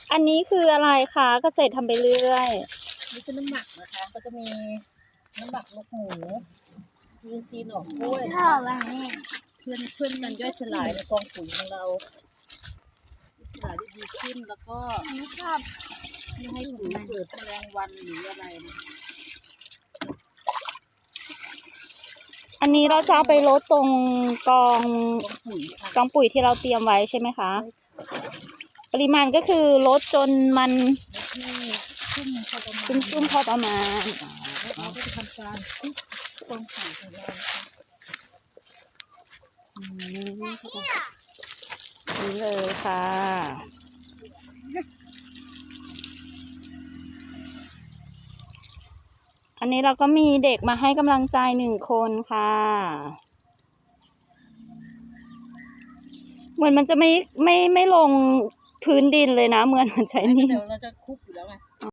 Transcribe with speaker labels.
Speaker 1: อันนี้คืออะไรคะเกษตรทำไปเรื่อย
Speaker 2: นี่คือน้ำหมักนะคะก็จะมีน้ำหมักลูกหมูมีซีหน่อกล้วย
Speaker 3: ชอบอันนี้
Speaker 2: เพื่อนกันย่อยสลายในกองปุ๋ยของเราสลายได้ดีขึ้นแล้วก็
Speaker 3: ไม่ชอบ
Speaker 2: ไม่ให้ปุ๋ยเกิดแมลงวันหรืออะไรนะ
Speaker 1: อันนี้เราจะเอาไปลดตรงกอง
Speaker 2: กองปุ๋ยค่ะ
Speaker 1: กองปุ๋ยที่เราเตรียมไว้ใช่ไหมคะ ปริมาณก็คือลดจนมัน
Speaker 2: ที่ชุ่มพอประมาณ
Speaker 1: ชุ่มๆพอประมาณ
Speaker 2: แล้วเราก็จะทำการคลุกกองปุ๋ยของเรานะคะ
Speaker 1: นี่เลยค่ะ อันนี้เราก็มีเด็กมาให้กำลังใจ1 คนค่ะ เหมือนมันจะไม่ลงพื้นดินเลยนะ เหมือนมันใช้
Speaker 2: ไม่งั้
Speaker 1: นี่
Speaker 2: นเดี๋ยวเราจะคลุกอยู่แล้วไง